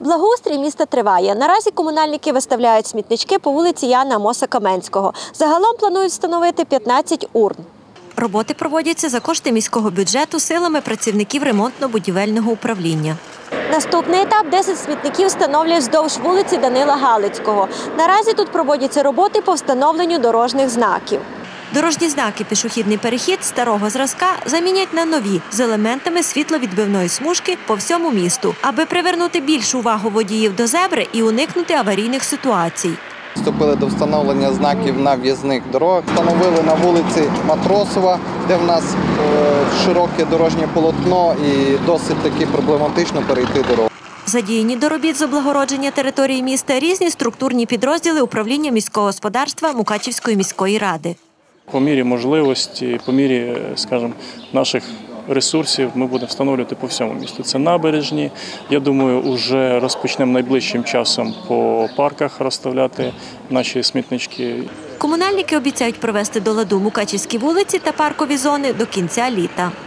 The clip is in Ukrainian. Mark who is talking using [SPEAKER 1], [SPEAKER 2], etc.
[SPEAKER 1] Благоустрій міста триває. Наразі комунальники виставляють смітнички по вулиці Яна Амоса-Каменського. Загалом планують встановити 15 урн. Роботи проводяться за кошти міського бюджету силами працівників ремонтно-будівельного управління. Наступний етап – 10 смітників встановлюють вздовж вулиці Данила Галицького. Наразі тут проводяться роботи по встановленню дорожніх знаків. Дорожні знаки «Пішохідний перехід» старого зразка замінять на нові з елементами світловідбивної смужки по всьому місту, аби привернути більшу увагу водіїв до зебри і уникнути аварійних ситуацій.
[SPEAKER 2] Вступили до встановлення знаків на в'їзних дорогах. Встановили на вулиці Матросова, де в нас широке дорожнє полотно і досить таки проблематично перейти дорогу.
[SPEAKER 1] Задіяні до робіт з облагородження території міста різні структурні підрозділи управління міського господарства Мукачівської міської ради.
[SPEAKER 3] По мірі можливості, по мірі, скажімо, наших ресурсів ми будемо встановлювати по всьому місту. Це набережні. Я думаю, вже розпочнемо найближчим часом по парках розставляти наші смітнички.
[SPEAKER 1] Комунальники обіцяють привести до ладу Мукачівські вулиці та паркові зони до кінця літа.